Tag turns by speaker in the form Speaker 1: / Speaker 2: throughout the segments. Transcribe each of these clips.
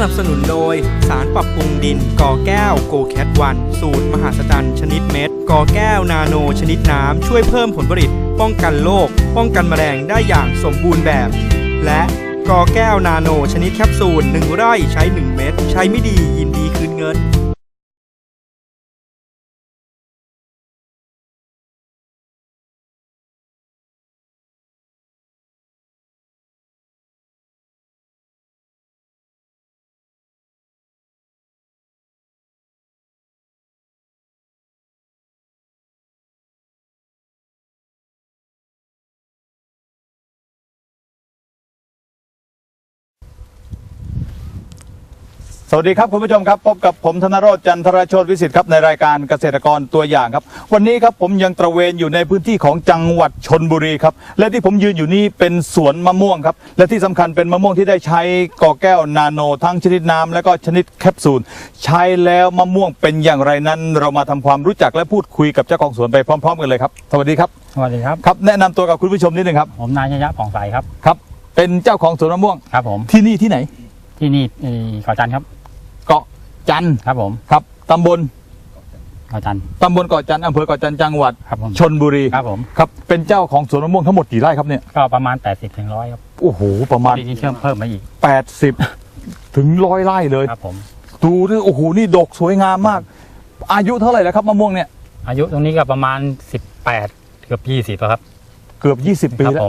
Speaker 1: นับสนุนโดยสารปรับปรุงดินกอแก้วโกแคทวันสูตรมหาศจรรย์ชนิดเม็ดกอแก้วนาโนชนิดน้ำช่วยเพิ่มผลผลิตป้องกันโรคป้องกันแมลงได้อย่างสมบูรณ์แบบ และกอแก้วนาโนชนิดแคปซูล1 ไร่ใช้ 1 เม็ดใช้ไม่ดียินดีคืนเงิน
Speaker 2: สวัสดีครับคุณผู้ชมครับพบกับผมธนโรจน์จันทรโชติวิสิทธิ์ครับในรายการเกษตรกรตัวอย่างครับวันนี้ครับผมยังตระเวนอยู่ในพื้นที่ของจังหวัดชลบุรีครับและที่ผมยืนอยู่นี้เป็นสวนมะม่วงครับและที่สำคัญเป็นมะม่วงที่ได้ใช้กอแก้วนาโนทั้งชนิดน้ำและก็ชนิดแคปซูลใช้แล้วมะม่วงเป็นอย่างไรนั้นเรามาทำความรู้จักและพูดคุยกับเจ้าของสวนไปพร้อมๆกันเลยครับสวัสดีครับ
Speaker 3: สวัสดีครับ
Speaker 2: ครับแนะนำตัวกับคุณผู้ชมนิดนึงครับ
Speaker 3: ผมนายชยะผ่องใสครับ
Speaker 2: ครับเป็นเจ้าของสวนมะม่วง
Speaker 3: ครับผม
Speaker 2: ที่นี่ที่ไหน
Speaker 3: ที่นี่เกาะจันทร์ครับ
Speaker 2: เกาะจันทร์
Speaker 3: ครับผม
Speaker 2: ครับตำบล
Speaker 3: เกาะจันทร์
Speaker 2: ตำบลเกาะจันทร์อำเภอเกาะจันทร์จังหวัดชลบุรี
Speaker 3: ครับผม
Speaker 2: ครับเป็นเจ้าของสวนมะม่วงทั้งหมดกี่ไร่ครับเนี่ย
Speaker 3: ก็ประมาณ80 ถึง 100ครับ
Speaker 2: โอ้โหประมาณ
Speaker 3: ที่เพิ่มมาอีก
Speaker 2: 80 ถึง 100 ไร่เลย
Speaker 3: ครับผม
Speaker 2: ดูดิโอ้โหนี่ดกสวยงามมากอายุเท่าไหร่แล้วครับมะม่วงเนี่ย
Speaker 3: อายุตรงนี้ก็ประมาณ18เกือบ20ครับ
Speaker 2: เกือบ20 ปีแล้ว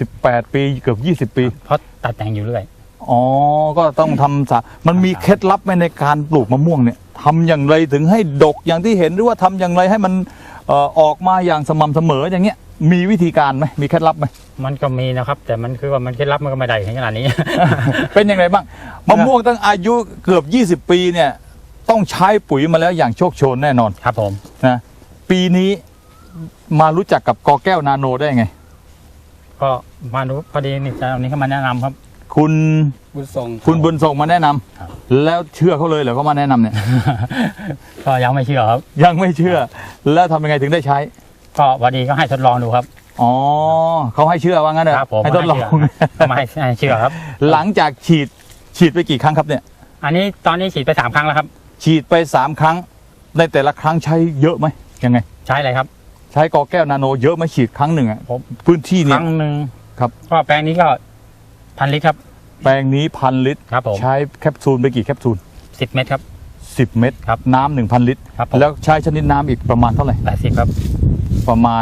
Speaker 2: 18 ปีเกือบ20 ปี
Speaker 3: เพราะตัดแต่งอยู่เรื่อย
Speaker 2: อ๋อก็ต้องทำมันมีเคล็ดลับไหมในการปลูกมะม่วงเนี่ยทำอย่างไรถึงให้ดกอย่างที่เห็นหรือว่าทำอย่างไรให้มันออกมาอย่างสม่ำเสมออย่างเงี้ยมีวิธีการไหมมีเคล็ดลับไหม
Speaker 3: มันก็มีนะครับแต่มันคือว่ามันเคล็ดลับมันก็ไม่ได้ถึงขนาดนี้
Speaker 2: เป็นยังไงบ้างมะม่วงตั้งอายุเกือบ20 ปีเนี่ยต้องใช้ปุ๋ยมาแล้วอย่างโชคโชนแน่นอน
Speaker 3: ครับผม
Speaker 2: นะปีนี้มารู้จักกับกอแก้วนาโนได้ไง
Speaker 3: ก็มาดูพอดีนี่เจ้านี้เขามาแนะนำครับ
Speaker 2: คุณบุญส่งมาแนะนำแล้วเชื่อเขาเลยเหรอเขามาแนะนำเนี่ย
Speaker 3: ก็ยังไม่เชื่อครับ
Speaker 2: ยังไม่เชื่อแล้วทำยังไงถึงได้ใช้
Speaker 3: ก็พอดีก็ให้ทดลองดูครับ
Speaker 2: อ๋อเขาให้เชื่อว่างั้นเหรอให้ทดลอง
Speaker 3: มาให้เชื่อครับ
Speaker 2: หลังจากฉีดไปกี่ครั้งครับเนี่ย
Speaker 3: อันนี้ตอนนี้ฉีดไป3 ครั้งแล้วครับ
Speaker 2: ฉีดไป3 ครั้งในแต่ละครั้งใช้เยอะไหมยังไง
Speaker 3: ใช้อะไรครับ
Speaker 2: ใช้กอแก้วนาโนเยอะไหมฉีดครั้งหนึ่งอ่ะพื้นที่นี้
Speaker 3: ครั้งหนึ่ง
Speaker 2: ครับ
Speaker 3: ก็แปลงนี้ก็1,000 ลิตรครับ
Speaker 2: แปลงนี้1,000 ลิตร
Speaker 3: ครับผม
Speaker 2: ใช้แคปซูลไปกี่แคปซูล
Speaker 3: 10 เม็ดครับ
Speaker 2: 10 เม็ด
Speaker 3: ครับ
Speaker 2: น้ำ 1,000 ลิตรแล้วใช้ชนิดน้ำอีกประมาณเท่าไหร่
Speaker 3: 80ครับ
Speaker 2: ประมาณ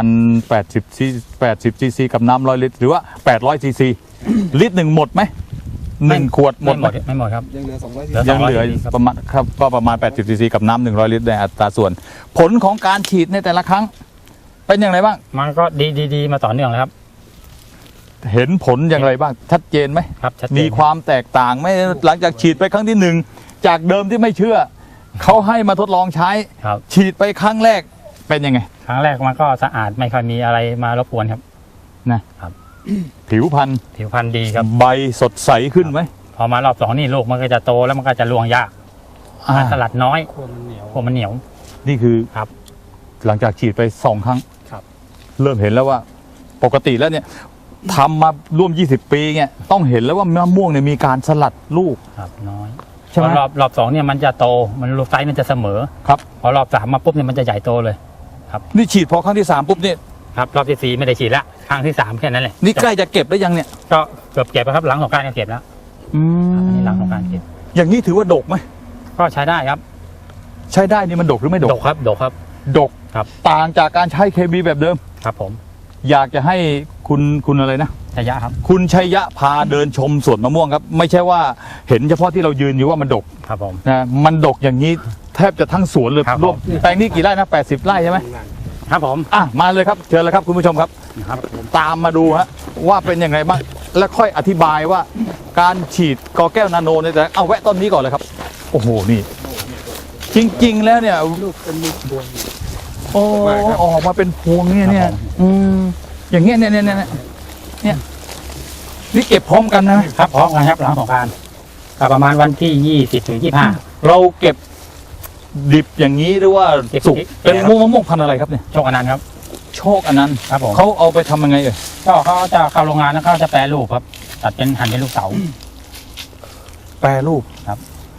Speaker 2: 80 ซีซีกับน้ำ100 ลิตรหรือว่า800 ซีซีลิตรหนึ่งหมดไหม1 ขวดหมด
Speaker 3: ไม่หมดครับ
Speaker 2: ยังเหลือ200ยังเหลือประมาณครับก็ประมาณ80 ซีซีกับน้ำ100 ลิตรในอัตราส่วนผลของการฉีดในแต่ละครั้งเป็นอย่างไรบ้าง
Speaker 3: มันก็ดีมาต่อเนื่องเลยครับ
Speaker 2: เห็นผลอย่างไรบ้างชัดเจนไหม
Speaker 3: ครับ
Speaker 2: มีความแตกต่างไหมหลังจากฉีดไปครั้งที่1จากเดิมที่ไม่เชื่อเขาให้มาทดลองใช้ฉีดไปครั้งแรกเป็นยังไง
Speaker 3: ครั้งแรกมันก็สะอาดไม่ค่อยมีอะไรมารบกวนครับ
Speaker 2: นะครับผิวพรร
Speaker 3: ณดีครับ
Speaker 2: ใบสดใสขึ้นไหม
Speaker 3: พอมารอบ2นี่ลูกมันก็จะโตแล้วมันก็จะรวงยากสลัดน้อยขั้วมันเหนียว
Speaker 2: นี่คือ
Speaker 3: ครับ
Speaker 2: หลังจากฉีดไป2 ครั้งเริ่มเห็นแล้วว่าปกติแล้วเนี่ยทำมาร่วม20 ปีเนี่ยต้องเห็นแล้วว่ามะม่วงเนี่ยมีการสลัดลูก
Speaker 3: ครับน้อยใช่ไหมรอบ2เนี่ยมันจะโตมันลูกไซส์มันจะเสมอ
Speaker 2: ครับ
Speaker 3: พอรอบ3มาปุ๊บเนี่ยมันจะใหญ่โตเลยครับ
Speaker 2: นี่ฉีดพอครั้งที่3ปุ๊บเนี่ย
Speaker 3: ครับรอบที่4ไม่ได้ฉีดละครั้งที่3แค่นั้นแหละ
Speaker 2: นี่ใกล้จะเก็บแล้วยังเนี่ย
Speaker 3: ก็เกือบเก็บแล้วครับหลังสงกรานต์ก็เก็บแล้วอันนี้หลังสงกรานต์เก็บ
Speaker 2: อย่างนี้ถือว่าดกไหม
Speaker 3: ก็ใช้ได้ครับ
Speaker 2: ใช้ได้นี่มันดกหรือไม่ดก
Speaker 3: ดกครับดก
Speaker 2: ครับต่างจากการใช้เคมีแบบเดิม
Speaker 3: ครับผม
Speaker 2: อยากจะให้คุณอะไรนะ
Speaker 3: ชัยยะครับ
Speaker 2: คุณชัยยะพาเดินชมสวนมะม่วงครับไม่ใช่ว่าเห็นเฉพาะที่เรายืนอยู่ว่ามันดก
Speaker 3: ครับผม
Speaker 2: นะมันดกอย่างนี้แทบจะทั้งสวนเลยรวมแปลงนี้กี่ไร่นะ80 ไร่ใช่ไหม
Speaker 3: ครับผม
Speaker 2: มาเลยครับเชิญเลยครับคุณผู้ชมครับตามมาดูฮะว่าเป็นยังไงบ้างแล้วค่อยอธิบายว่าการฉีดกอแก้วนาโนเนี่ยแต่เอาแวะต้นนี้ก่อนเลยครับโอ้โหนี่จริงๆแล้วเนี่ยลูกเป็นลูกพวงโอ้ออกมาเป็นพวงเนี่ยอย่างเงี้ยเนี่ยนี่เก็บพร้อมกันนะครับ
Speaker 3: พร้อมกันครับหลังสงกรานต์ประมาณวันที่20 ถึง 25
Speaker 2: เราเก็บดิบอย่างนี้หรือว่าสุกเป็นมะม่วงพันธุ์อะไรครับเนี่ย
Speaker 3: โชคอนันต์ครับ
Speaker 2: โชคอนันต์
Speaker 3: ครับผม
Speaker 2: เขาเอาไปทำยังไง
Speaker 3: ก็เขาจะเข้าโรงงานแล้วเขาจะแปรรูปครับตัดเป็นหั่นเป็นลูกเต๋า
Speaker 2: แปรรูป
Speaker 3: ครับ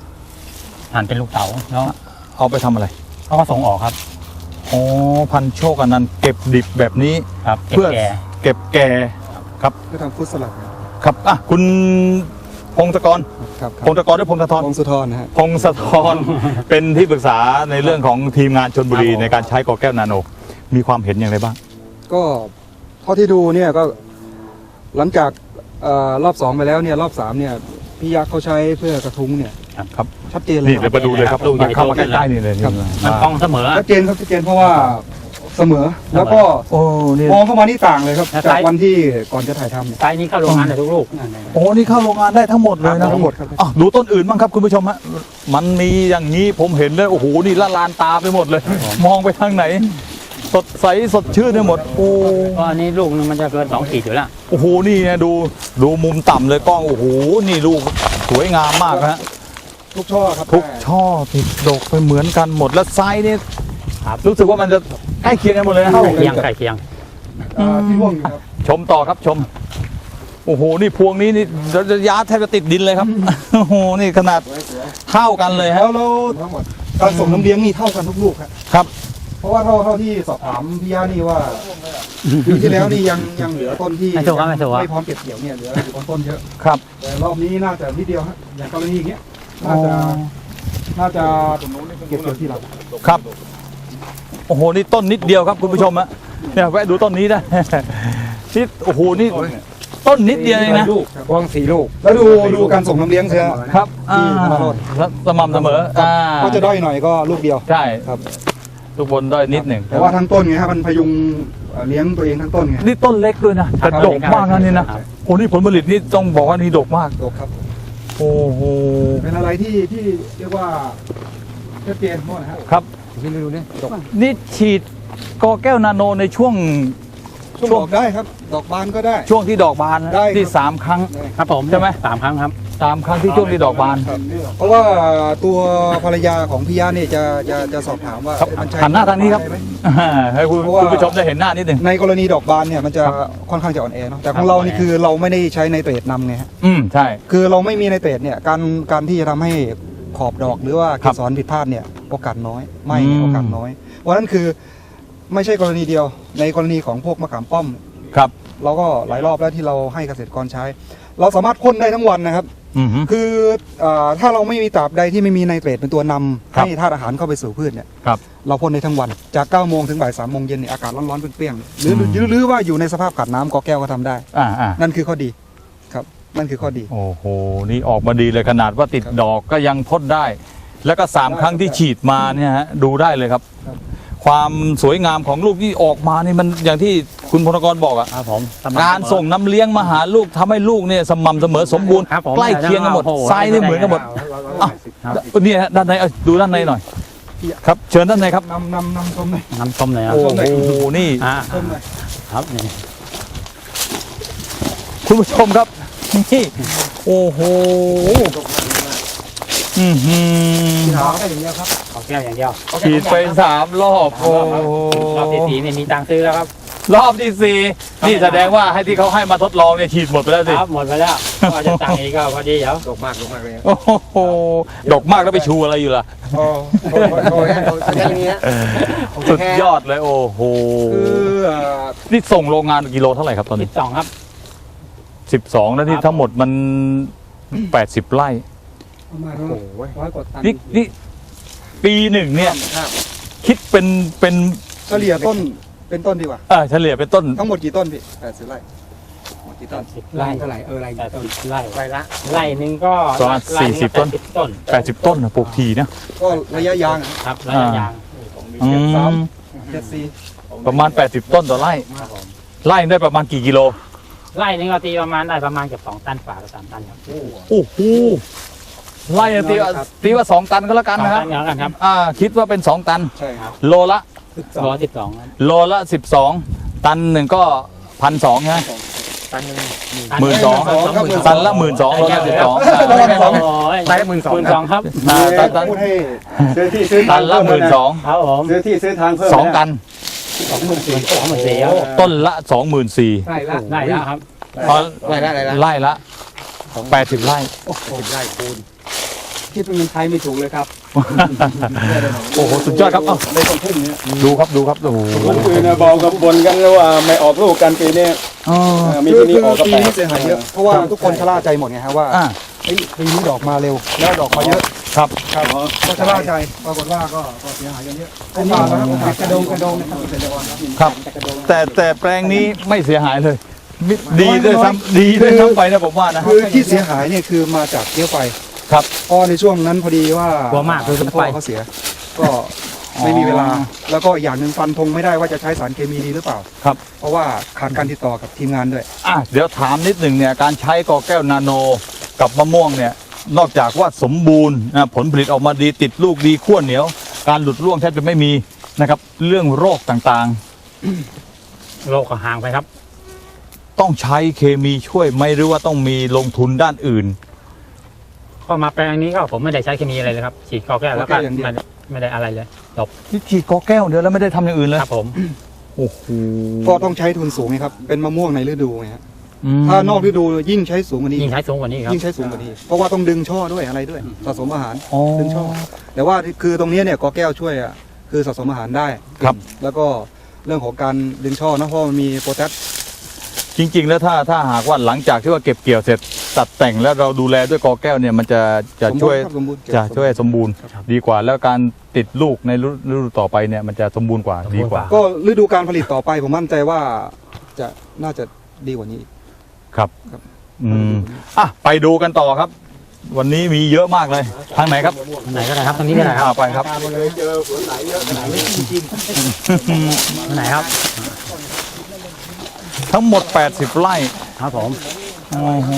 Speaker 3: หั่นเป็นลูกเต๋าแล้ว
Speaker 2: เอาไปทำอะไร
Speaker 3: เขาก็ส่งออกครับ
Speaker 2: อ๋อพันโชคอนันต์เก็บดิบแบบนี้
Speaker 3: ครับเก็บ
Speaker 2: เพื่อ
Speaker 3: แก่
Speaker 2: เก็บแก่ครับ
Speaker 4: ก็ทำฟุตสลัด
Speaker 2: ครับอ่ะคุณพงศกร
Speaker 4: ครับ
Speaker 2: พงศกรหรือพงศธร
Speaker 4: วงสุธรนะฮะ
Speaker 2: พงศธร เป็นที่ปรึกษาในเรื่องของทีมงานชลบุรีในการใช้กอแก้วนาโน มีความเห็นอย่างไรบ้าง
Speaker 4: ก็เท่าที่ดูเนี่ยก็หลังจากรอบ 2 ไปแล้วเนี่ยรอบ 3เนี่ยพี่ยักษ์เขาใช้เพื่อกระทุ้งเนี่ย
Speaker 2: ครับ
Speaker 4: ชัดเจนเลย
Speaker 2: นี่เดี๋ยวมาดูเลยครับลูกเข้ามาใกล้ๆนี่เลย
Speaker 4: ครับ
Speaker 3: มันกองเสมอ
Speaker 4: ชัดเจนครับชัดเจนเพราะว่าเสมอแล้วก็
Speaker 2: โอ้นี่
Speaker 4: มองเข้ามานี่ต่างเลยครับ
Speaker 3: แล้ว
Speaker 4: จาก
Speaker 3: ไซส์
Speaker 4: วันที่ก่อนจะถ่ายทำเนี่ย
Speaker 3: ไซส์นี้เข้าโรงงานได้ทุกลูก
Speaker 2: โอ้นี่เข้าโรงงานได้ทั้งหมดเลยนะ
Speaker 4: ทั้งหมดครับ
Speaker 2: อ่ะดูต้นอื่นบ้างครับคุณผู้ชมฮะมันมีอย่างนี้ผมเห็นเลยโอ้โหนี่ละลานตาไปหมดเลย มองไปทางไหน สดใสสดชื่นไปหมดโอ้
Speaker 3: ก็อันนี้ลูกนึงมันจะเกิน2 ขีดอยู่แล้ว
Speaker 2: โอ้โหนี่นะดูมุมต่ำเลยกล้องโอ้โหนี่ลูกสวยงามมากนะฮะ
Speaker 4: ทุกช่อครับ
Speaker 2: ทุกช่อติดดกไปเหมือนกันหมดแล้วไซส์นี่
Speaker 3: ครับ
Speaker 2: รู้สึกว่ามันจะใกล้เคียงกันหมดเลยนะ
Speaker 3: ใกล้เคียงใกล้เคียง
Speaker 4: ที่ร่วงอยู่ครับ
Speaker 2: ชมต่อครับชมโอ้โหนี่พวงนี้นี่ระยะแทบจะติดดินเลยครับโอ้โหนี่ขนาดเท่ากันเลยฮะ
Speaker 4: แล้วทั้งหมดการส่งน้ำเลี้ยงนี่เท่ากันทุกลูกครับ
Speaker 2: ครับ
Speaker 4: เพราะว่าเท่าที่สอบถามพี่ย่านี่ว่าปีที่แล้วนี่ยังเหลือต้นที่
Speaker 3: ไม่ถูกครับไม่ถูกครับ
Speaker 4: ไม่พร้อมเก็บเกี่ยวเนี่ยเหลืออยู่บนต้นเยอะ
Speaker 2: ครับ
Speaker 4: แต่รอบนี้น่าจะนิดเดียวฮะอย่างกรณีอย่างเงี้ยน่าจะเก็บเกี่ยวที่หลัง
Speaker 2: ครับโอ้โหนี่ต้นนิดเดียวครับคุณผู้ชมฮะเนี่ยแวะดูต้นนี้ได้ นี่โอ้โหนี่ต้นนิดเดียวเองนะ
Speaker 4: วาง4 ลูก แล้วดูการส่งน้ำเลี้ยงเสีย
Speaker 2: ครับ
Speaker 4: ที่ธนาโรจน์
Speaker 2: แล้วสม่ำเสมอ
Speaker 4: ครับก็จะด้อยหน่อยก็ลูกเดียว
Speaker 2: ใช่
Speaker 4: ครับ
Speaker 2: ทุกบนด้อยนิดหนึ่ง
Speaker 4: แต่ว่าทั้งต้นไงฮะมันพยุงเลี้ยงตัวเองทั้งต้นไง
Speaker 2: นี่ต้นเล็กด้วยนะแต่ดกมากนะนี่นะโอ้นี่ผลผลิตนี่ต้องบอกว่านี่ดกมาก
Speaker 4: ดกครับ
Speaker 2: โอ้โห
Speaker 4: เป็นอะไรที่เรียกว่าชัดเจนหมดนะฮะ
Speaker 2: ครับ
Speaker 4: พี่ดูเนี่ยดก
Speaker 2: นี่ฉีดกอแก้วนาโนในช่วง
Speaker 4: ช่วงดอกได้ครับ ดอกบานก็ได้
Speaker 2: ช่วงที่ดอกบานนะ
Speaker 4: ได้ครับ
Speaker 2: ที่3 ครั้ง
Speaker 3: ครับผม
Speaker 2: ใช่ไหม
Speaker 3: 3 ครั้งครับ
Speaker 2: 3 ครั้งที่ช่วงที่ดอกบาน
Speaker 4: เพราะว่าตัวภรรยาของพี่ย่าเนี่ยจะสอบถามว่า
Speaker 2: ครับ
Speaker 4: มันใช้
Speaker 2: หันหน้าทางนี้ครับ
Speaker 4: ได้ไหม
Speaker 2: ให้คุณ
Speaker 4: เพราะว่า
Speaker 2: ผู้ชมได้เห็นหน้านิดหนึ่ง
Speaker 4: ในกรณีดอกบานเนี่ยมันจะค่อนข้างจะอ่อนแอเนาะแต่ของเรานี่คือเราไม่ได้ใช้ไนเตรตนำไงฮะ
Speaker 2: ใช่
Speaker 4: คือเราไม่มีไนเตรตเนี่ยการที่จะทำให้ขอบดอกหรือว่า
Speaker 2: ค
Speaker 4: เก
Speaker 2: รับ
Speaker 4: สรผิดพลาดเนี่ยโอกาสน้อยไม่
Speaker 2: อืม
Speaker 4: โอกาสน้อยเพราะฉะนั้นคือไม่ใช่กรณีเดียว ในกรณีของพวกมะขามป้อม
Speaker 2: ครับ
Speaker 4: เราก็หลายรอบแล้วที่เราให้เกษตรกรใช้ เราสามารถพ่นได้ทั้งวันนะครับ
Speaker 2: อือฮึ
Speaker 4: คือถ้าเราไม่มีตราบใดที่ไม่มีไนเตรตเป็นตัวนำ
Speaker 2: ครับ
Speaker 4: ให้ธาตุอาหารเข้าไปสู่พืชเนี่ย
Speaker 2: ครับ
Speaker 4: เราพ่นได้ทั้งวันจาก 9 โมงถึงบ่าย 3 โมงเย็นเนี่ยอากาศร้อนๆเปรี้ยงๆหรือว่าอยู่ในสภาพขาดน้ำกอแก้วก็ทำได้
Speaker 2: อ่า
Speaker 4: นั่นคือข้อดีครับนั่นคือข้อดี
Speaker 2: โอ้โหนี่ออกมาดีเลยขนาดว่าติดดอกก็ยังพ่นได้ แล้วก็3 ครั้งที่ฉีดมาเนี่ยฮะดูได้เลยครับ
Speaker 4: ครับ
Speaker 2: ความสวยงามของลูกที่ออกมานี่มันอย่างที่คุณพลกรบอกอะ
Speaker 3: ครับผม
Speaker 2: การส่งน้ำเลี้ยงมาหาลูกทำให้ลูกเนี่ยสม่ำเสมอสมบูรณ์
Speaker 3: ครับผม
Speaker 2: ใกล้เคียงกันหมด
Speaker 3: โอ้โห
Speaker 2: ไซส์นี่เหมือนกันหมดอ่ะ
Speaker 3: ครับ
Speaker 2: เนี่ยฮะด้านในเอาดูด้านในหน่อย ครับเชิญด้านในครับ
Speaker 4: นำชมเลย
Speaker 3: น้ำส้มเลยครับ
Speaker 2: โอ้โหนี่
Speaker 4: ชมเลย
Speaker 3: ครับนี่
Speaker 2: คุณผู้ชมครับนี่โอ้โหอือหือ
Speaker 4: ขาวแค่อย่างเดียวครับ
Speaker 3: ขอแก้วอย่างเดียว
Speaker 2: ฉีดไป3 รอบโอ้โห
Speaker 3: รอบที่4นี่มีตังค์ซื้อแล้วครับ
Speaker 2: รอบที่4นี่แสดงว่าให้ที่เขาให้มาทดลองเนี่ยฉีดหมดไปแล้วสิ
Speaker 3: ครับหมดไปแล้วก็จะตังค์อีกก็พอดีเดี๋ยว
Speaker 4: ดกมากเลย
Speaker 2: โอ้โหดกมากแล้วไปชูอะไรอยู่ล่ะ
Speaker 4: โอ้ยอย่างเงี้ย
Speaker 2: สุดยอดเลยโอ้โห
Speaker 4: คือ
Speaker 2: นี่ส่งโรงงานกิโลเท่าไหร่ครับตอนนี้
Speaker 3: 12ครับ
Speaker 2: 12แล้วที่ทั้งหมดมัน80 ไร่
Speaker 4: ประมาณ100 กว่าตัน
Speaker 2: นี่ปีหนึ่งเนี่ยคิดเป็น
Speaker 4: เฉลี่ยต้นเป็นต้นดีกว่า
Speaker 2: เฉลี่ยเป็นต้น
Speaker 4: ทั้งหมดกี่ต้นพี่80 ไร่หมดกี่ต้น
Speaker 3: ไร่
Speaker 4: เท่าไหร่ไร่
Speaker 3: ไร่ไร่หนึ่งก็
Speaker 2: ประมาณ
Speaker 3: ไร่หนึ่ง
Speaker 2: 40 ต้น
Speaker 3: ต้น
Speaker 2: 80 ต้นนะปลูกทีนะ
Speaker 4: ก็ระยะยาง
Speaker 3: ครับระยะยาง
Speaker 2: อืม
Speaker 4: 74
Speaker 2: ประมาณ 80 ต้นต่อไร่
Speaker 3: ครับผม
Speaker 2: ไร่ได้ประมาณกี่กิโล
Speaker 3: ไร่หนึงก็ตีประมาณได้ประมาณเกือบ2 ตันฝ่ากับ3 ตันครับ
Speaker 2: โอ้โหไร่ตีว่า2 ตันก็แล้วกัน
Speaker 3: 2
Speaker 2: นะครับ
Speaker 3: ตันอย่างกันครับ
Speaker 2: คิดว่าเป็น 2 ตัน
Speaker 4: ใช่ครับ
Speaker 2: โลละ
Speaker 3: ร้อย12ครับ
Speaker 2: โลละ 12 ตันหนึ่งก็1,200ใช่ไหม
Speaker 3: ตันหนึ่ง
Speaker 2: 12,000ตันละ12,000โลละ12
Speaker 3: ตันละ12,000ครับ
Speaker 2: ตัน
Speaker 4: พูดให้ซื้อที่ซื้อ
Speaker 2: ตั
Speaker 4: ทาง
Speaker 2: นละ
Speaker 4: เพิ่มเลยนะ
Speaker 2: 12,000
Speaker 3: ครับผม
Speaker 4: ซื้อที่ซื้อทางเพิ่ม
Speaker 2: 2 ตัน
Speaker 3: 24,000ครับ
Speaker 2: ต้นละ 24,000
Speaker 4: ใช่ละ
Speaker 3: ได้แล้วครับ
Speaker 2: ไร่ละ80 ไร่
Speaker 4: คิดเป็นเงินไทยไม่ถูกเลยครับ
Speaker 2: โอ้โหสุดยอดครับเอ้า
Speaker 4: ในตรงพุ่มเนี้ย
Speaker 2: ดูครับดูครับโอ้โห
Speaker 5: คนอื่นนะบอกกับบนกันว่าไม่ออกลูกกันปีนี้
Speaker 2: อ๋อ
Speaker 5: มี
Speaker 4: คือ
Speaker 5: ปีนี้ออกก็
Speaker 4: ปี
Speaker 5: แปล
Speaker 4: นี้
Speaker 5: ก
Speaker 4: เสียหายเยอะเพราะว่าทุกคนชะล่าใจหมดไงฮะว่า
Speaker 2: อ่า
Speaker 4: เฮ้ยปีนี้ดอกมาเร็วแล้วดอกมาเยอะ
Speaker 2: ครับ
Speaker 4: ครับก็ชะล่าใจปรากฏว่าก็เสียหายกันเยอะโอกาสนะครับโอกาสกระโดงนะครับเกษตรกรครับ
Speaker 2: ครับแต่แปลงนี้ไม่เสียหายเลยดีด้วยซ้ำดีด้วยซ้ำไปนะผมว่านะ
Speaker 4: คือที่เสียหายเนี่ยคือมาจากเกี้ยวไฟ
Speaker 2: ครับ
Speaker 4: เพราะในช่วงนั้นพอดีว่าก
Speaker 3: ลัวมากคือ
Speaker 4: คุณพ่อเขาเสีย ก็ไม่มีเวลา แล้วก็อย่างหนึ่งฟันธงไม่ได้ว่าจะใช้สารเคมีดีหรือเปล่า
Speaker 2: ครับ
Speaker 4: เพราะว่าขาดการติดต่อกับทีมงานด้วย
Speaker 2: เดี๋ยวถามนิดหนึ่งเนี่ยการใช้กอแก้วนาโนกับมะม่วงเนี่ยนอกจากว่าสมบูรณ์นะผลผลิตออกมาดีติดลูกดีขั้วเหนียว การหลุดร่วงแทบจะไม่มีนะครับเรื่องโรคต่าง
Speaker 3: โลกก็ห่างไปครับ
Speaker 2: ๆ ต้องใช้เคมีช่วยไหมหรือว่าต้องมีลงทุนด้านอื่น
Speaker 3: ก็มาแปลงนี้ก็ผมไม่ได้ใช้เคมีอะไรเลยครับฉีดกอแก้วแล้วก็
Speaker 4: กอแก้วอย่างเดียว
Speaker 3: ไม่ได้อะไรเลยจบ
Speaker 2: ที่ฉีดกอแก้วเดียวแล้วไม่ได้ทำอย่างอื่นเลย
Speaker 3: ครับผม
Speaker 2: โอ้โห
Speaker 4: ก็ต้องใช้ทุนสูงไงครับ เป็นมะม่วงในฤดูไงฮะ
Speaker 2: อืม
Speaker 4: ถ้านอกฤดูยิ่งใช้สูงกว่านี้
Speaker 3: ยิ่งใช้สูงกว่านี้ครับ
Speaker 4: ยิ่งใช้สูงกว่านี้ เพราะว่าต้องดึงช่อด้วยอะไรด้วย สะสมอาหาร
Speaker 2: อ๋อ
Speaker 4: ดึงช่อ แต่ว่าคือตรงนี้เนี่ยกอแก้วช่วยอ่ะคือสะสมอาหารได้
Speaker 2: ครับ
Speaker 4: แล้วก็เรื่องของการดึงช่อนะเพราะมันมีโพแทส
Speaker 2: จริงๆ แล้วถ้าหากว่าหลังจากที่ว่าเก็บเกี่ยวเสร็จตัดแต่งแล้วเราดูแลด้วยกอแก้วเนี่ยมันจะช่วย
Speaker 4: สมบูรณ์
Speaker 2: จะช่วยสมบูรณ์ดีกว่า แล้วการติดลูกในฤดูต่อไปเนี่ยมันจะสมบูรณ์กว่าดีกว่า
Speaker 4: ก็ฤดูการผลิตต่อไปผมมั่นใจว่าจะน่าจะดีกว่านี้
Speaker 2: ครับ
Speaker 4: ครับ
Speaker 2: ไปดูกันต่อครับ วันนี้มีเยอะมากเลยทางไหนครับ
Speaker 3: ไหนก็ได้ครับตรงนี้ก็ได้ครับ
Speaker 2: ไปครับ
Speaker 3: ไหนครับ
Speaker 2: ทั้งหมด 80 ไร่
Speaker 3: ครับผม
Speaker 2: โอ้โห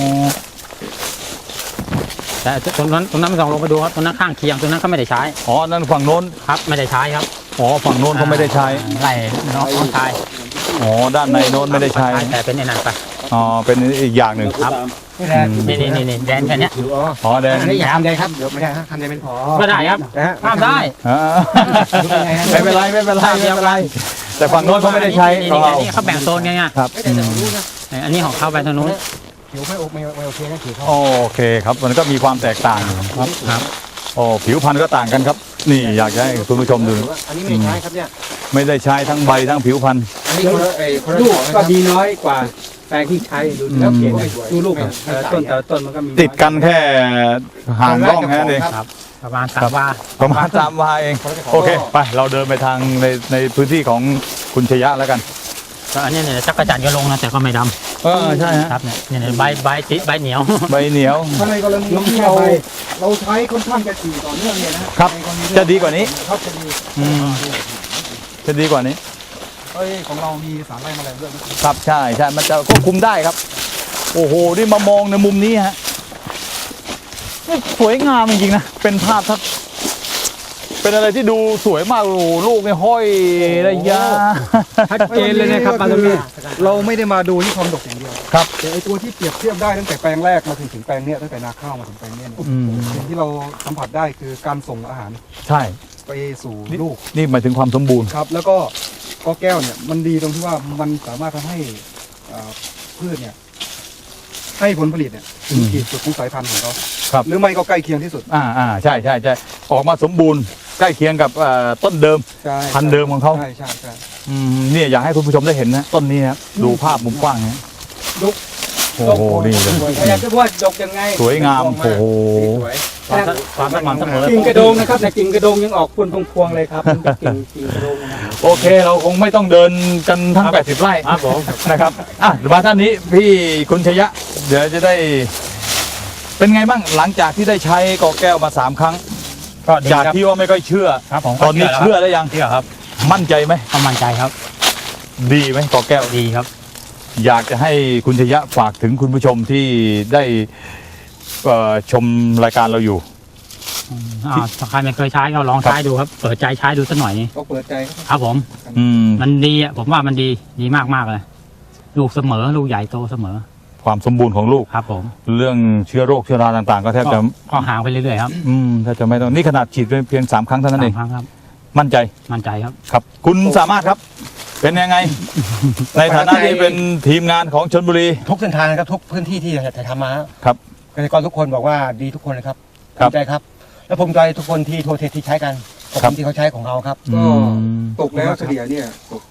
Speaker 3: แต่ตรงนั้นไม่ต้องลงไปดูครับตรงนั้นข้างเคียงตรงนั้นเขาไม่ได้ใช้
Speaker 2: อ๋อนั่นฝั่งโน้น
Speaker 3: ครับไม่ได้ใช้ครับ
Speaker 2: อ๋อฝั่งโน้นเขาไม่ได้ใช้
Speaker 3: ไล่น้องชาย
Speaker 2: อ๋อด้านในโน้นไม่ได้ใช้
Speaker 3: แต่เป็นไอ้นั่นไป
Speaker 2: อ๋อเป็นอีกอย่างหนึ่ง
Speaker 3: ครับนี่แดนแค่เนี้ย
Speaker 2: อ๋อแดง
Speaker 5: อันนี้อย่าทำเลยครับเดี๋ยวไม่ได้ฮะทำเลยเป็นพอ
Speaker 3: ก็ได้ครับห้ามได้
Speaker 2: อ่าไม่เป็นไรไม่เป็นไรไม่เป็นไร แต่ฝั่งโน้นเขาไม่ได้ใช้
Speaker 3: นี่
Speaker 2: ของเรา
Speaker 3: เขาแบ่งโซนไง
Speaker 2: ครับอืม
Speaker 3: อันนี้ของเขาไปทางนู้น
Speaker 5: ผิวไม่โอเคนะผิวเขา
Speaker 2: โอเคครับมันก็มีความแตกต่างอยู่ครับ
Speaker 3: ครับ
Speaker 2: โอ้ผิวพรรณก็ต่างกันครับ นี่อยากจะให้คุณผู้ชมดู
Speaker 5: อันนี้ไม่ใช้ครับเนี่ย
Speaker 2: ไม่ได้ใช้ทั้งใบทั้งผิวพรรณ
Speaker 5: อันนี้คนละลูกก็ดีน้อยกว่าแปลงที่ใช้ดูแล้วเขียนดูลูกต้นแต่ต้นมันก็มี
Speaker 2: ติดกันแค่ห่างร่องแค่นั้นเอง
Speaker 3: ครับประมาณ3 วา
Speaker 2: ประมาณ3 วาเองโอเคไปเราเดินไปทางในพื้นที่ของคุณชยะแล้วกัน
Speaker 3: ก็อันนี้เนี่ยจักรจันทร์ก็ลงนะแต่ก็ไม่ด
Speaker 2: ใช่ฮะ
Speaker 3: ำครับเนี่ยใบเหนียว
Speaker 2: ใบเหนียว
Speaker 4: ถ้าในกรณีที่เราใช้ค่อนข้างจะถี่ต่อเนื่องเนี่ยนะฮะ
Speaker 2: ครับ
Speaker 4: ในกรณี
Speaker 2: จะดีกว่านี้
Speaker 4: ครับจะดี
Speaker 2: อืมจะดีกว่านี้
Speaker 4: ของเรามีสารไล่แมลงด้วยนะครับ
Speaker 2: ใช่มันจะควบคุมได้ครับ โอ้โหนี่มามองในมุมนี้ฮะนี่สวยงามจริงๆนะเป็นภาพทัศน์เป็นอะไรที่ดูสวยมากโอ้โหลูกเนี่ยห้อยระยะ
Speaker 4: ชัดเจนเลยนะครับปาตมีเราไม่ได้มาดูที่ความดกอย่างเดียว
Speaker 2: ครับ
Speaker 4: แต่ไอตัวที่เปรียบเทียบได้ตั้งแต่แปลงแรกมาถึงแปลงเนี้ยตั้งแต่นาข้าวมาถึงแปลงเนี้ยเนี่ย
Speaker 2: อืม
Speaker 4: สิ่งที่เราสัมผัสได้คือการส่งอาหาร
Speaker 2: ใช่
Speaker 4: ไปสู่ลูก
Speaker 2: นี่หมายถึงความสมบูรณ์
Speaker 4: ครับ แล้วก็กอแก้วเนี่ยมันดีตรงที่ว่ามันสามารถทำให้พืชเนี่ยให้ผลผลิตเนี่ยถึงขีดสุดของสายพันธุ์ของเขา
Speaker 2: ครับ
Speaker 4: หรือไม่ก็ใกล้เคียงที่สุด
Speaker 2: ใช่ออกมาสมบูรณ์ใกล้เคียงกับต้นเดิม
Speaker 4: ใช่
Speaker 2: พันธุ์เดิมของเขา
Speaker 4: ใช่
Speaker 2: เนี่ยอยากให้คุณผู้ชมได้เห็นนะต้นนี้นะครับดูภาพมุมกว้างนะ
Speaker 4: ดก
Speaker 2: โอ้โหนี่เลย
Speaker 5: อยากจะว่าดกยังไง
Speaker 2: สวยงามโอ้โห
Speaker 3: ความสม่ำเสมอ
Speaker 5: กิ่งกระโดงนะครับแต่กิ่งกระโดงยังออกพวงๆเลยครับมันเป็นกิ่งกระโดงนะ
Speaker 2: โอเคเราคงไม่ต้องเดินกันทั้ง 80 ไร่
Speaker 3: ครับผม
Speaker 2: นะครับมาท่านนี้พี่คุณชยะ เดี๋ยวจะได้ เป็นไงบ้างหลังจากที่ได้ใช้กอแก้วมา3 ครั้ง
Speaker 3: ก็ดี
Speaker 2: จาก
Speaker 3: ครับ
Speaker 2: ที่ว่าไม่ค่อยเชื่อ
Speaker 3: ครับผม
Speaker 2: ตอนนี้เชื่อแล้วยัง
Speaker 3: เชื่อครับ
Speaker 2: มั่นใจไหม
Speaker 3: ก็มั่นใจครับ
Speaker 2: ดีไหมกอแก้ว
Speaker 3: ดีครับ
Speaker 2: อยากจะให้คุณชยะฝากถึงคุณผู้ชมที่ได้ชมรายการเราอยู่
Speaker 3: ถ้าใครไม่เคยใช้ก็ลองใช้ดูครับเปิดใจใช้ดูสักหน่อย
Speaker 4: ก็เปิดใจ
Speaker 3: ครับผม
Speaker 2: อืม
Speaker 3: มันดีอ่ะผมว่ามันดีมากเลยลูกเสมอลูกใหญ่โตเสมอ
Speaker 2: ความสมบูรณ์ของลูก
Speaker 3: ครับผม
Speaker 2: เรื่องเชื้อโรคเชื้อราต่างๆ ก็แทบจะ
Speaker 3: ก็ห่างไปเรื่อยๆครับ
Speaker 2: ถ้าจะไม่ต้องนี่ขนาดฉีดเพียง3 ครั้งเท่านั้นเอง
Speaker 3: 3 ครั้งครับ
Speaker 2: มั่นใจ
Speaker 3: มั่นใจครับ
Speaker 2: ครับ คุณสามารถครับ เป็นยังไง ในฐานะที่เป็นทีมงานของชลบุรี
Speaker 5: ทุกเส้นทางนะครับทุกพื้นที่ที่ถ่ายทำมา
Speaker 2: ครับ
Speaker 5: เกษตรกรทุกคนบอกว่าดีทุกคนเลยครับ
Speaker 2: ครับ
Speaker 5: ดีใจครับ
Speaker 6: แล้วผมใจทุกคนที่โทรเทสที่ใช้กันขอบคุณที่เขาใช้ของเราครับ
Speaker 4: ก็ตกแล้วเฉลี่ยเนี่ยตก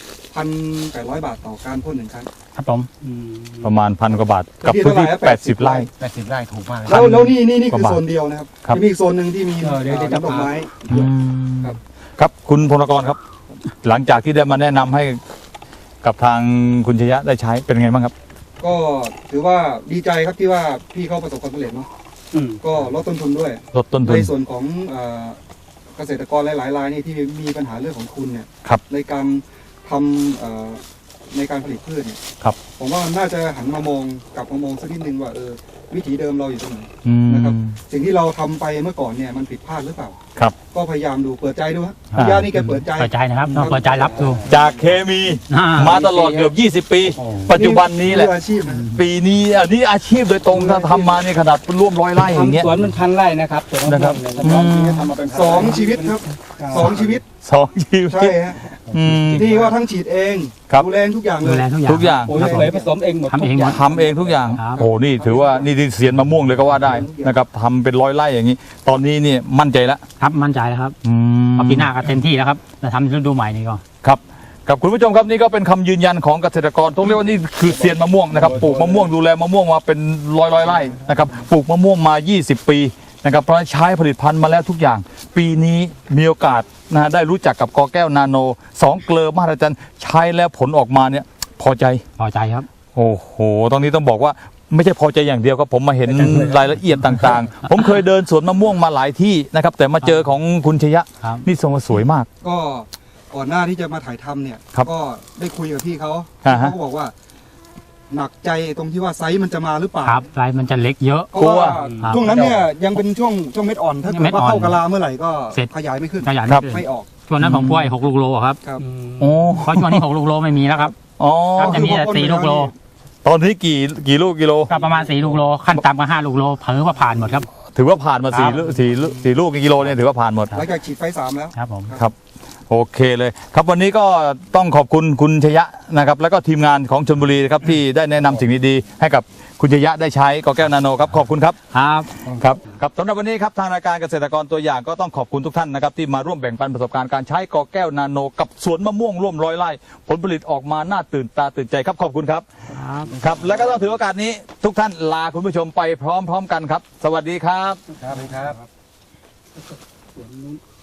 Speaker 4: 1,800 บาทต่อการพ่นหนึ่งครั้ง
Speaker 3: ครับผม
Speaker 2: ประมาณ1,000 กว่าบาทกับพื้นที่ 80 ไร่
Speaker 6: 80 ไร่ถูกมากเลย
Speaker 4: แล้วนี่คือ
Speaker 2: กว่าบาท
Speaker 4: โซนเดียวนะครับ
Speaker 2: ครับ
Speaker 4: จะมีอีกโซนหนึ่งที่มี
Speaker 5: เดี๋ยวจะ
Speaker 4: น้ำดอกไม้ ครับ
Speaker 2: ครับคุณพลกรครับ หลังจากที่ได้มาแนะนำให้กับทางคุณชยะได้ใช้เป็นไงบ้างครับ
Speaker 4: ก็ถือว่าดีใจครับที่ว่าพี่เขาประสบความสำเร็จเนาะ
Speaker 5: อืม
Speaker 4: ก็ลดต้นทุนด้วย
Speaker 2: ลดต้นทุ
Speaker 4: ใน
Speaker 2: น
Speaker 4: ส่วนของเกษตรกรหลายๆรายนี่ที่มีปัญหาเรื่องของทุนเนี่ย
Speaker 2: ครับ
Speaker 4: ในการทำในการผลิตพืชเนี่ย
Speaker 2: ครับ
Speaker 4: ผมว่าน่าจะหันมามองกลับมามองสักนิดนึงว่าวิถีเดิมเราอยู่ตรงไหน
Speaker 2: อืม
Speaker 4: นะครับ สิ่งที่เราทำไปเมื่อก่อนเนี่ยมันผิดพลาดหรือเปล่า
Speaker 2: ครับ
Speaker 4: ก็พยายามดูเปิดใจดูฮะ
Speaker 2: อ่า
Speaker 4: พี่ยานี่แกเปิดใจ
Speaker 3: เปิดใจนะครับต้องเปิดใจรับดู
Speaker 2: จากเคมี
Speaker 3: อ่า
Speaker 2: มาตลอดเกือบ20 ปี ปัจจุบันนี้แหละ
Speaker 4: มืออาชีพนะ
Speaker 2: ปีนี้อันนี้อาชีพโดยตรงถ้าทำมาเนี่ยขนาดร่วม100 ไร่อย่างเงี้ย
Speaker 5: ทำสวนมัน1,000 ไร่นะครับสวนมะม่วง
Speaker 2: นะครับ
Speaker 5: เนี่ย
Speaker 4: ทำมาเป็นสองชีวิตครับสองชีวิต
Speaker 2: 2 ชีวิ
Speaker 4: ใช่
Speaker 2: ต
Speaker 4: ฮะ
Speaker 2: อืม
Speaker 4: นี่ว่าทั้งฉีดเอง
Speaker 2: ครับ
Speaker 4: ดูแลทุกอย่างเล
Speaker 3: ดู
Speaker 4: ย
Speaker 3: แลทุกอย่าง
Speaker 2: ทุกอย่าง
Speaker 5: ปุ๋ยผสมเองหมด
Speaker 3: ทำเองหมด
Speaker 2: ทำเองทุกอย่าง
Speaker 3: ครับ
Speaker 2: โอ้นี่ถือว่านี่ที่เสียนมะม่วงเลยก็ว่าได้นะครับทำเป็น100 ไร่อย่างนี้ ตอนนี้เนี่ยมั่นใจแล้ว
Speaker 3: ครับมั่นใจแล้วครับ
Speaker 2: อืม
Speaker 3: พอปีหน้าก็เต็มที่แล้วครับจะทำฤดูใหม่นี่ก็
Speaker 2: ครับกับคุณผู้ชมครับนี่ก็เป็นคำยืนยันของเกษตรกรต้องเรียกว่านี่คือเซียนมะม่วงนะครับปลูกมะม่วงดูแลมะม่วงมาเป็นร้อยไร่นะครับปลูกมะม่วงมา 20 ปีนะครับเพราะใช้ผลิตภัณฑ์มาแล้วทุกอย่าง ปีนี้มีโอกาสนะได้รู้จักกับกอแก้วนาโน2 เกลอมหัศจรรย์ใช้แล้วผลออกมาเนี่ยพอใจ
Speaker 3: พอใจครับ
Speaker 2: โอ้โห ตรงนี้ต้องบอกว่าไม่ใช่พอใจอย่างเดียวครับผมมาเห็นรายละเอียดต่างๆ ผมเคยเดินสวนมะม่วงมาหลายที่นะครับแต่มาเจอของคุณชยะ
Speaker 3: ครับ
Speaker 2: นี่ทรงสวยมาก
Speaker 4: ก็ก่อนหน้าที่จะมาถ่ายทำเนี่ย
Speaker 2: ครับ
Speaker 4: ก็ได้คุยกับพี่เขา
Speaker 2: อ่าฮะ
Speaker 4: เขาก็บอกว่า หนักใจตรงที่ว่าไซส์มันจะมาหรือเปล่า
Speaker 3: ครับไรมันจะเล็กเยอะ
Speaker 4: เพราะว่า
Speaker 3: ครับ
Speaker 4: ช่วงนั้นเนี่ยยังเป็นช่วงเม็ดอ่อน ถ้าเกิด
Speaker 3: เม็ดอ่
Speaker 4: ว่า
Speaker 3: อน
Speaker 4: เข้ากะลาเมื่อไหร่ก็
Speaker 3: เสร็จ
Speaker 4: ขยายไม่ขึ้น
Speaker 3: ขยัน
Speaker 2: ครับ
Speaker 4: ไม่ออก
Speaker 3: ช่วงนั้นของกล้วย6 ลูกโลครับ
Speaker 4: ครับ
Speaker 2: โอ้
Speaker 3: เพราะช่วงนี้6 ลูกโลไม่มีแล้วครับ
Speaker 2: อ๋อ
Speaker 3: ครับจะมีแต่4 ลูกโล
Speaker 2: ตอนนี้กี่ลูกกิโล
Speaker 3: ก็ประมาณ4 ลูกโลขั้นต่ำก็5 ลูกโลเผลอว่าผ่านหมดครับ
Speaker 2: ถือว่าผ่านมา
Speaker 3: ครับ
Speaker 2: สี่ลูกกิโลเนี่ยถือว่าผ่านหมด
Speaker 4: หลังจากฉีดไฟ3แล้ว
Speaker 3: ครับผม
Speaker 2: ครับโอเคเลยครับวันนี้ก็ต้องขอบคุณคุณชยะนะครับแล้วก็ทีมงานของชลบุรีนะครับที่ได้แนะนำสิ่งดีๆให้กับคุณชยะได้ใช้กอแก้วนาโนครับขอบคุณครับ
Speaker 3: ครับ
Speaker 2: ครับสำหรับวันนี้ครับทางรายการเกษตรกรตัวอย่างก็ต้องขอบคุณทุกท่านนะครับที่มาร่วมแบ่งปันประสบการณ์การใช้กอแก้วนาโนกับสวนมะม่วงร่วม100 ไร่ผลผลิตออกมาน่าตื่นตาตื่นใจครับขอบคุณครับครับและก็ต้องถือโอกาสนี้ทุกท่านลาคุณผู้ชมไปพร้อมๆกันครับ สวัสดีครับ
Speaker 4: ครับครับ